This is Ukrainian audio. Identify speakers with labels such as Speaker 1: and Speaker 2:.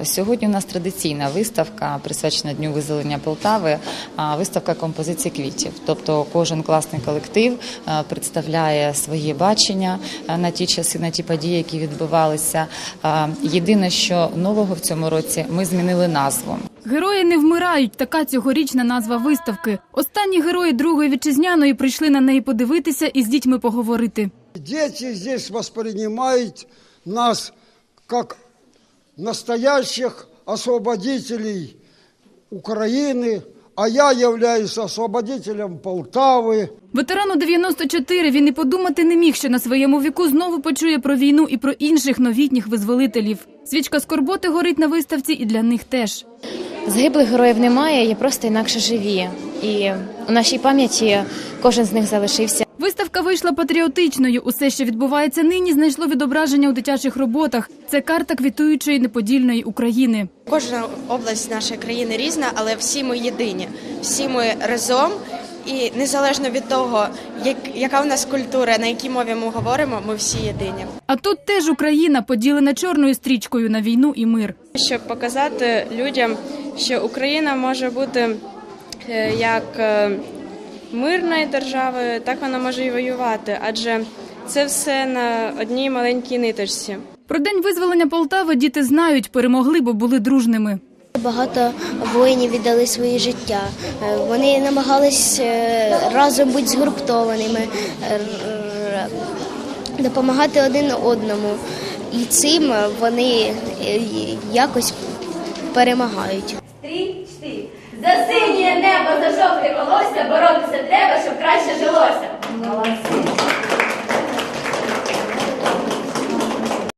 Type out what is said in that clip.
Speaker 1: Сьогодні у нас традиційна виставка, присвячена Дню визволення Полтави, виставка композицій квітів. Тобто кожен класний колектив представляє своє бачення на ті часи, на ті події, які відбувалися. Єдине, що нового в цьому році, ми змінили назву.
Speaker 2: «Герої не вмирають» – така цьогорічна назва виставки. Останні герої Другої вітчизняної прийшли на неї подивитися і з дітьми поговорити.
Speaker 3: Дети здесь воспринимают нас как настоящих освободителей Украины, а я являюсь освободителем Полтави.
Speaker 2: Ветерану 94 він і подумати не міг, що на своєму віку знову почує про війну і про інших новітніх визволителів. Свічка скорботи горить на виставці і для них теж.
Speaker 4: Загиблих героїв немає, є просто інакше живі. І у нашій пам'яті кожен з них залишився.
Speaker 2: Виставка вийшла патріотичною. Усе, що відбувається нині, знайшло відображення у дитячих роботах. Це карта квітуючої неподільної України.
Speaker 5: Кожна область нашої країни різна, але всі ми єдині. Всі ми разом. І незалежно від того, яка у нас культура, на якій мові ми говоримо, ми всі єдині.
Speaker 2: А тут теж Україна, поділена чорною стрічкою на війну і мир.
Speaker 6: Щоб показати людям, що Україна може бути як мирною державою, так вона може і воювати, адже це все на одній маленькій ниточці.
Speaker 2: Про День визволення Полтави діти знають, перемогли, бо були дружними.
Speaker 7: Багато воїнів віддали своє життя. Вони намагались разом бути згуртованими, допомагати один одному. І цим вони якось перемагають.
Speaker 8: 3, 4. За синє небо, за жовте волосся боротися треба, щоб краще жилося. Молодці.